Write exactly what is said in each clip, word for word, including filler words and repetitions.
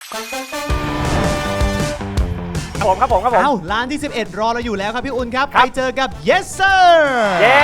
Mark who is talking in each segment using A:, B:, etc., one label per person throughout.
A: ผมครับผมครับผม
B: เอ้าร้านที่สิบเอ็ดรอเราอยู่แล้วครับพี่อุ่นครับไปเจอกับ yes sir
A: เย้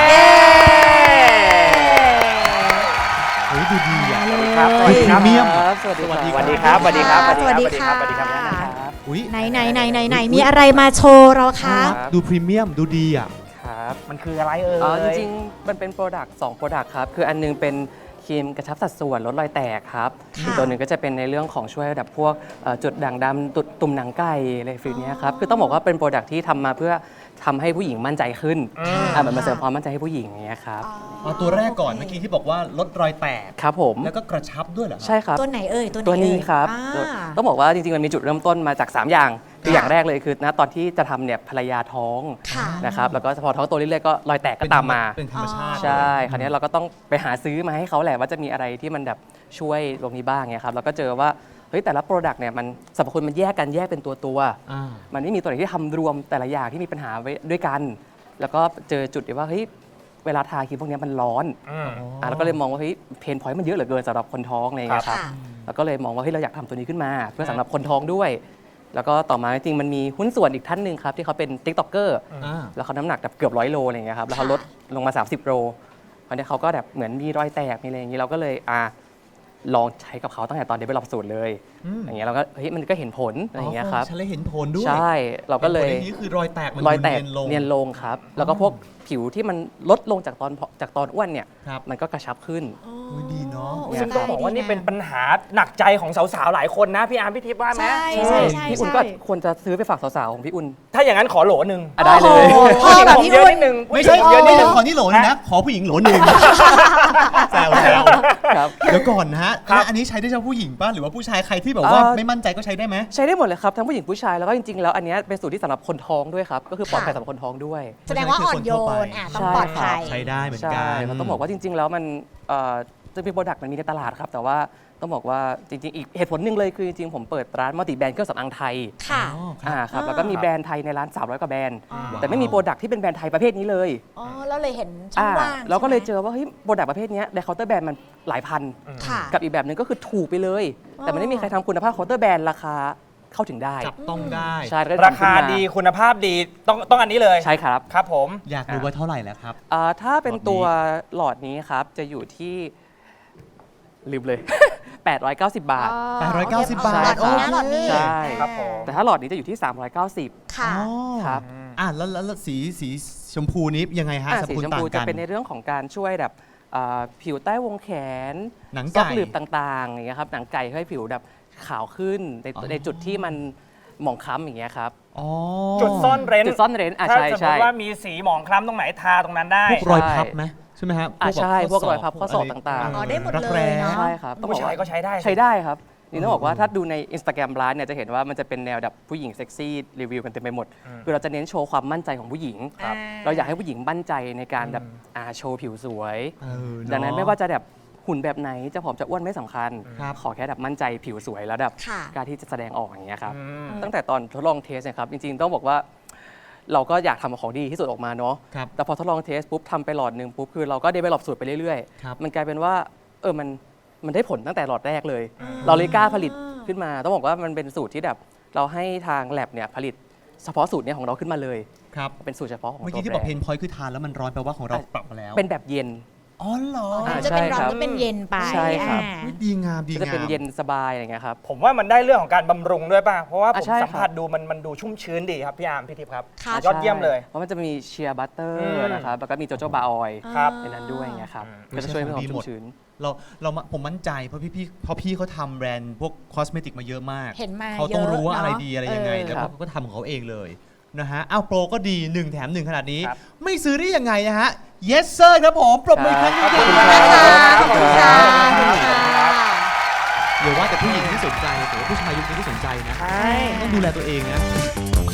B: เฮ้ยดูดีอ่ะ
A: ครับสวัสดีครับ
B: พรีเมียม
C: สวัสดี
B: สวัสดี
A: สวัสดีครับสวัสดีครับ
D: สวัสดีค่ะ
A: สวัสดีครับสวัสดีครับ
B: อุ้ย
D: ไหนไหนไหนไหนไหนมีอะไรมาโชว์เราคะ
B: ดูพรีเมียมดูดีอ่ะ
C: ครับ
A: มันคืออะไรเอ่ย
C: อ๋อจริงๆ มันเป็นโปรดักต์สองโปรดักต์ครับ คืออันนึงเป็นครีมกระชับสัดส่วนลดรอยแตกครับอีกตัวหนึ่งก็จะเป็นในเรื่องของช่วยระดับพวกเอ่อจุดด่างดำตุดตุ่มหนังไก่อะไรฟิลเนี้ยครับ คือต้องบอกว่าเป็นโปรดักต์ที่ทำมาเพื่อทำให้ผู้หญิงมั่นใจขึ้นอ่ามันมาเสริมความมั่นใจให้ผู้หญิงอย่างเงี้ยครับ
B: เอาตัวแรกก่อนเมื่อกี้ที่บอกว่าลดรอยแตก
C: ครับผม
B: แล้วก็กระชับด้วยเหรอ
C: ใช่ครับ
D: ตัวไหนเอ่ยตัวไหน
C: ตัวนี้
D: เอ่ย
C: ครับ
D: อ่า
C: ต้องบอกว่าจริงๆ มันมีจุดเริ่มต้นมาจาก สาม อย่าง คืออย่างแรกเลยคือณตอนที่จะทำเนี่ยภรรยาท้อง
D: ค่ะ
C: นะครับแล้วก็พอท้องโตเรื่อยๆก็รอยแตกก็ตามมา
B: เป็นธรรมชาติ
C: ใช่ คราวนี้เราก็ต้องไปหาซื้อมาให้เขาแหละว่าจะมีอะไรที่มันแบบช่วยตรงนี้บ้างเนี่ยครับแล้วก็เจอว่าเฮ้ยแต่ละโปรดักต์เนี่ยมันสรรพคุณมันแยกกันแยกเป็นตัวตัวๆ
B: อ่า
C: มันไม่มีตัวไหนที่ทำรวมแต่ละอย่างที่มีปัญหาไว้ด้วยกัน แล้วก็เจอจุดที่ว่าเฮ้ยเวลาทาครีมพวกนี้มันร้อน
A: อืม
C: อ่ะแล้วก็เลยมองว่าเฮ้ยเพนพอยต์มันเยอะเหลือเกินสำหรับคนท้องอะไรอย่างเงี้ยครับ
D: ค่ะ
C: แล้วก็เลยมองว่าเฮ้ยเราอยากทำตัวนี้ขึ้นมา เพื่อสำหรับคนท้องด้วย แล้วก็ต่อมาจริงๆมันมีหุ้นส่วนอีกท่านหนึ่งครับที่เขาเป็นติ๊กต็อกเกอร์
B: อ่า
C: แล้วเขาน้ำหนักแบบเกือบร้อยโลอะไรอย่างเงี้ยครับแล้วเขาลดลงมา สามสิบโลคราวนี้เขาก็แบบเหมือนมีรอยแตกมีอะไรอย่างงี้เราก็เลยอ่ะลองใช้กับเขาตั้งแต่ตอนเดเวลลอปสูตรเลย
B: อืม
C: อย่างเงี้ยเราก็เฮ้ยมันก็เห็นผลอะไรอย่างเงี้ยครับ
B: ฉันเลยเห็นผลด้วย
C: ใช่เราก็เลย
B: ห็นผนี้คือรอยแตกมัน
C: รอยแตก
B: เนียนลง
C: เนียนลงครับ แล้วก็พวกผิวที่มันลดลงจากตอนจากตอนอ้วนเนี่ย
B: ครับ
C: มันก็กระชับขึ้น
B: อุ๊ยดีเนาะ
D: โอ้ย
A: ซึ่งต้องบอกว่านี่เป็นปัญหาหนักใจของสาวๆหลายคนนะพี่อาร์มพี่ทิพย์ว่าไหม
D: ใช่ใช่ใช่
C: พี่อุ่นก็ควรจะซื้อไปฝากสาวๆของพี่อุ่น
A: ถ้าอย่างนั้นขอโหลหนึ่ง
C: อ่ะได้เลย
D: โอ้โหพ่อแบบ
A: ผม
D: พี่
A: เยอะ
D: อุ่
A: นิ
D: น
A: ดนึง
B: ไม่ใช่
A: เยอะนิ
B: ไม่
A: ดนึ
B: ใช่
A: ง
B: ขอนี่โหลนึงนะ ขอผู้หญิงโหลหนึ่งแซวแซว
C: ครับ
B: เดี๋ยวก่อนนะฮะ
A: ครับ
B: อันนี้ใช้ได้เฉพาะผู้หญิงป่ะหรือว่าผู้ชายใครที่แบบว่า
C: เอ่อ
B: ไม่มั่นใจก็ใช้ได้ไหม
C: ใช้ได้หมดเลยครับทั้งผู้หญิงผู้ชายแล้วก็จริงๆแล้วอันเนี้ยเป็นสูตรที่สำหรับคนท้องด้วยครับก็คือปลอดภัยสำหรับคนท้องด้วย
D: แสดงว่าอ่อนโยนอ่ะต้องปลอดภัย
B: ใช้ได้เหมือนกั
C: ใช่
B: น
C: เราต้องบอกว่าจริง ๆ แล้วมันเอ่อจะมีโปรดักต์มันมีในตลาดครับแต่ว่าต้องบอกว่าจริงๆอีกเหตุผลหนึ่งเลยคือจริงๆผมเปิดร้านมัลติแบรนด์เครื่องสำอางไทย
D: ค่ะ
B: อ๋อครับ
C: อ่าครับแล้วก็มีแบรนด์ไทยในร้านสามร้อยกว่าแบรนด์
D: อ๋อ
C: แต่ไม่มีโปรดักต์ที่เป็นแบรนด์ไทยประเภทนี้เลย
D: อ๋อแล้วเลยเห็นช่อง
C: อ่า
D: ว่าง
C: เราก็เลยเจ
D: ใช่ไหม
C: อว่าเฮ้ยโปรดักต์ประเภทเนี้ยในเคาน์เตอร์แบรนด์มันหลายพัน
D: ค่ะ
C: กับอีกแบบหนึ่งก็คือถูกไปเลย แต่มันไม่มีใครทำคุณภาพเคาน์เตอร์แบรนด์ราคาเข้าถึงได้
B: จับต้องได้
C: ใช่แล้วก็
A: ราคา
C: ทำขึ้นม
A: ดีคุณภาพดีต้องต้องอันนี้เลย
C: ใช่ครับ
A: ครับผม
B: อยากรู้ว่าเท่าไหร่แล้วครับ
C: อ่าถ้าเป็น
B: หลอดนี้
C: ตัวหลอดนี้ครับจะอยู่ที่ลืมเลย แปดร้อยเก้าสิบ บาท
B: แปดร้อยเก้าสิบ
D: อ๋อบ
B: าท
D: หลอดนี้นะหลอดนี้
C: ใช่
A: ครับผม
C: แต่ถ้าหลอดนี้จะอยู่ที่ สามร้อยเก้าสิบ
D: ค่ะ
B: อ๋อ
C: ครับ
B: อ่ะแล้วแล้วแล้วสีสีชมพูนี้ยังไงฮะ
C: อ่า
B: สรรพ
C: สี
B: คุณ
C: ชม
B: ต่า
C: พู
B: ง
C: จะ
B: กัน
C: เป็นในเรื่องของการช่วยแบบอ่าผิวใต้วงแขน
B: หนัง
C: ซอก
B: ไก่
C: หลืบต่างๆอย่างเงี้ยครับหนังไก่ให้ผิวแบบขาวขึ้นใน
B: อ๋อ
C: ในจุดที่มันหมองคล้ำอย่างเงี้ยครับ
B: อ๋อ
A: จุดซ่อนเร้น
C: จุดซ่อนเร้นอ่ะ
A: ถ้า
C: ใช่
A: สมม
C: ใช่
A: ติว่ามีสีหมองคล้ำตรงไหนทาตรงนั้นได้
B: พวกรอยพับไหมใช่ไหมฮะ
C: อ่ะ
B: แบบ
C: ใช่พวก
B: ข้ศ
C: รอยพับข้อศอกต่างๆ
D: อ๋อได้หมด
B: รัก
D: เลย
B: แร้
D: เนาะ
C: ใช่ครับต้องบ
A: ผู้
C: อก
A: ชาย
C: ว่า
A: ก็ใช้ได้
C: ใช้ได้ครับนี่ต้องบอกว่าถ้าดูใน Instagram ร้านเนี่ยจะเห็นว่ามันจะเป็นแนวแบบผู้หญิงเซ็กซี่รีวิวกันเต็มไปหมด คือเราจะเน้นโชว์ความมั่นใจของผู้หญิง
D: ครับ
C: เราอยากให้ผู้หญิงมั่นใจในการแบบอ่าโชว์ผิวสวย
B: เออเอะ
C: ดังนั้นไม่ว่าจะแบบหุ่นแบบไหนจะผอมจะอ้วนไม่สำคัญ
B: ครับ
C: ขอแค่แบบมั่นใจผิวสวยแล้วแบบ
D: ค่ะ
C: กล้ารที่จะแสดงออกอย่างเงี้ยครับ
A: อืม
C: ตั้งแต่ตอนทดลองเทสเนะครับจริงๆต้องบอกว่าเราก็อยากทำของดีที่สุดออกมาเนาะ
B: ครับ
C: แต่พอทดลองเทสปุ๊บทำไปหลอดหนึ่งปุ๊บคือเราก็เดเวลลอปสูตรไปเรื่อย
B: ครับ
C: ๆ มันกลายเป็นว่าเออมันมันได้ผลตั้งแต่หลอดแรกเลย เราเลยกล้าผลิตขึ้นมา ต้องบอกว่ามันเป็นสูตรที่แบบเราให้ทางแลบเนี่ยผลิตเฉพาะสูตรเนี้ของเราขึ้นมาเลย
B: ครับ
C: เป็นสูตรเฉพาะของ
B: เมื่อ
C: ตัว
B: กี้ที่
C: แบ
B: บอก
C: ร
B: เพ
C: น
B: น
C: ด์
B: พอยต์คือทานแล้วมันร้อนแปลว่าของเราปรับมาแล้ว
C: เป็นแบบเย็น
B: อ๋อเหรอ
D: อ๋อ
C: อ่า
D: จะเป็น
C: ใช่
D: ร้อน
C: ครับ
D: ก็เป็นเย็นไป
C: ใช่ครับ
D: อ่า
B: อุ๊ยดีงามดี
C: ก็จะ
B: งา
C: เป็น
B: ม
C: เย็นสบายอะไรอย่างเงี้ยครับ
A: ผมว่ามันได้เรื่องของการบำรุงด้วยป่ะ เพราะว่าผ
C: อ่ะ
A: ม
C: ใช่
A: สัม
C: ครับ
A: ผัสดูมันมันดูชุ่มชื้นดีครับพี่อาร์มพี่ทิพย์ครับ
D: ครับ
A: ยอดเยี่ยมเลย
C: เพราะมันจะมีเชียร์บัตเตอ
A: อื
C: ร์
A: ม
C: นะครับแล้วก็มีโจโจบาออยล์
A: ครับ
C: ในนั้นด้วยอย่างเงี้ยครับ
B: อืม
C: ก็จะช่วยให้ความ
B: ดีหม
C: ชุ่
B: ด
C: มชื้น
B: เราเรามาผมมั่นใจเพราะพี่พี่เพราะพี่เขาทำแบรนด์พวกคอสเมติกมาเยอะมาก
D: เห็นมา
B: เขาต้องรู้ว่า
D: เยอะ
B: อะไร
D: เนอะ
B: ดีอะไรยังไง
D: เออ
B: แล้ว
C: ครับ
B: เขาก็ทำของเขาเองเลยนะฮะอ้าวโปรก็ดีหนึ่งแถมหนึ่งขนาดนี้
A: ครับ
B: ไม่ซื้อได้ยังไงนะฮะ yes sir ครับผมปรบมืออีกครั้งหนึง
A: ขอบ
B: ค
A: คุณ
B: รับ
A: ครับ
D: ขอบคุณค่ะขอบคุณค่ะ
B: เดี๋ยวว่าแต่ผู้หญิงที่สนใจแต่ว่าผู้ชายยุคนี้ที่สนใจนะ
A: ใช่
B: ต้องดูแลตัวเองนะ